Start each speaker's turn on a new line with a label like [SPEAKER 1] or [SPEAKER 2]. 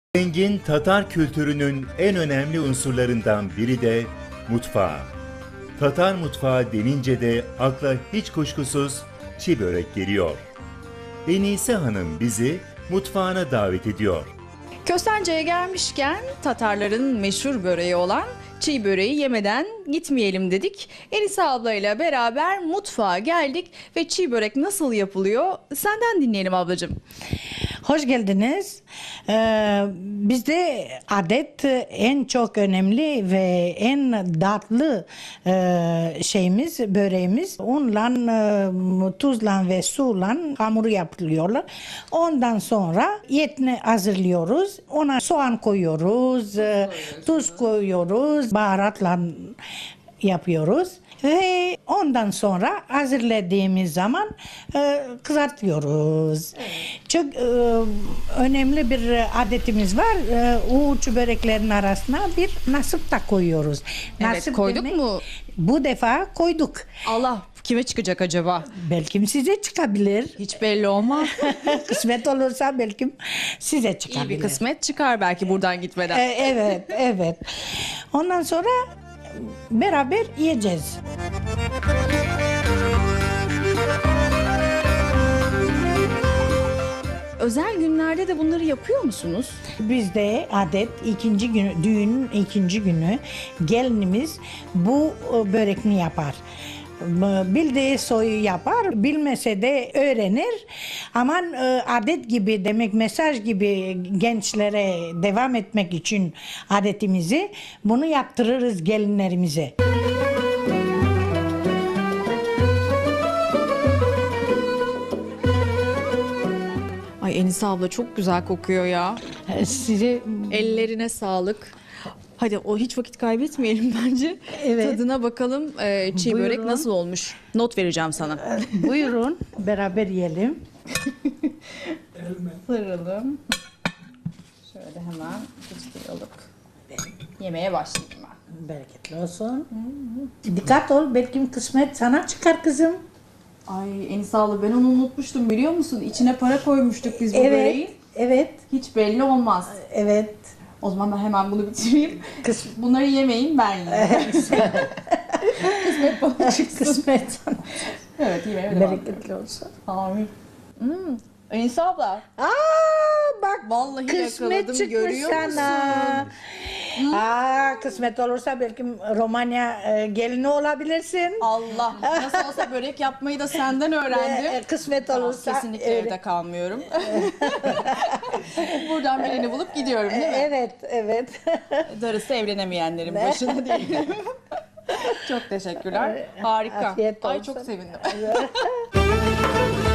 [SPEAKER 1] Zengin Tatar kültürünün en önemli unsurlarından biri de mutfağı. Tatar mutfağı denince de akla hiç kuşkusuz çiğ börek geliyor. Enise Hanım bizi mutfağına davet ediyor.
[SPEAKER 2] Köstence'ye gelmişken Tatarların meşhur böreği olan çiğ böreği yemeden gitmeyelim dedik. Enise ablayla beraber mutfağa geldik ve çiğ börek nasıl yapılıyor senden dinleyelim ablacığım.
[SPEAKER 3] Hoş geldiniz. Bizde adet en çok önemli ve en tatlı şeyimiz, böreğimiz. Unla, tuzla ve suyla hamuru yapılıyorlar. Ondan sonra etini hazırlıyoruz. Ona soğan koyuyoruz, tuz koyuyoruz, baharatla yapıyoruz. Ve ondan sonra hazırladığımız zaman kızartıyoruz. Çok önemli bir adetimiz var. Uç böreklerin arasına bir nasip da koyuyoruz.
[SPEAKER 2] Evet,
[SPEAKER 3] Nasip
[SPEAKER 2] koyduk
[SPEAKER 3] demek,
[SPEAKER 2] mu?
[SPEAKER 3] Bu defa koyduk.
[SPEAKER 2] Allah, kime çıkacak acaba?
[SPEAKER 3] Belki size çıkabilir.
[SPEAKER 2] Hiç belli olmaz.
[SPEAKER 3] Kısmet olursa belki size çıkabilir.
[SPEAKER 2] İyi bir kısmet çıkar belki buradan gitmeden.
[SPEAKER 3] Evet, evet. Ondan sonra beraber yiyeceğiz.
[SPEAKER 2] Özel günlerde de bunları yapıyor musunuz?
[SPEAKER 3] Bizde adet ikinci günü, düğünün ikinci günü gelinimiz bu börekni yapar. Bildiği soyu yapar, bilmese de öğrenir. Ama adet gibi demek, mesaj gibi gençlere devam etmek için adetimizi bunu yaptırırız gelinlerimize.
[SPEAKER 2] Ay Enise abla çok güzel kokuyor ya.
[SPEAKER 3] Size
[SPEAKER 2] Ellerine sağlık. Hadi o hiç vakit kaybetmeyelim bence.
[SPEAKER 3] Evet.
[SPEAKER 2] Tadına bakalım çiğ börek
[SPEAKER 3] Buyurun.
[SPEAKER 2] nasıl olmuş. Not vereceğim sana.
[SPEAKER 3] buyurun beraber yiyelim.
[SPEAKER 2] Sıralım. Şöyle hemen kuşlayalım. Yemeğe başlayayım ben.
[SPEAKER 3] Bereketli olsun. Dikkat ol, belki kısmet sana çıkar kızım.
[SPEAKER 2] Ay Enise abla ben onu unutmuştum biliyor musun? İçine para koymuştuk biz bu
[SPEAKER 3] Evet,
[SPEAKER 2] böreğin.
[SPEAKER 3] evet,
[SPEAKER 2] Hiç belli olmaz.
[SPEAKER 3] evet.
[SPEAKER 2] O zaman ben hemen bunu bitireyim. Bunları yemeyin ben yiyeyim. Kısmet bana çıksın.
[SPEAKER 3] Kısmet sana.
[SPEAKER 2] Evet yemeğe devam ediyorum.
[SPEAKER 3] Bereketli olsun.
[SPEAKER 2] Amin. Enise abla.
[SPEAKER 3] Bak
[SPEAKER 2] Vallahi
[SPEAKER 3] kısmet
[SPEAKER 2] yakaladım,
[SPEAKER 3] çıkmış
[SPEAKER 2] görüyor
[SPEAKER 3] sana. Kısmet olursa belki Romanya gelini olabilirsin.
[SPEAKER 2] Allah. Nasıl olsa börek yapmayı da senden öğrendim.
[SPEAKER 3] Kısmet
[SPEAKER 2] Tamam,
[SPEAKER 3] olursa
[SPEAKER 2] kesinlikle evde kalmıyorum. Buradan birini bulup gidiyorum değil mi?
[SPEAKER 3] Evet, evet.
[SPEAKER 2] Darısı evlenemeyenlerin başına diyelim. Çok teşekkürler. Harika.
[SPEAKER 3] Afiyet
[SPEAKER 2] Ay
[SPEAKER 3] olsun.
[SPEAKER 2] çok sevindim.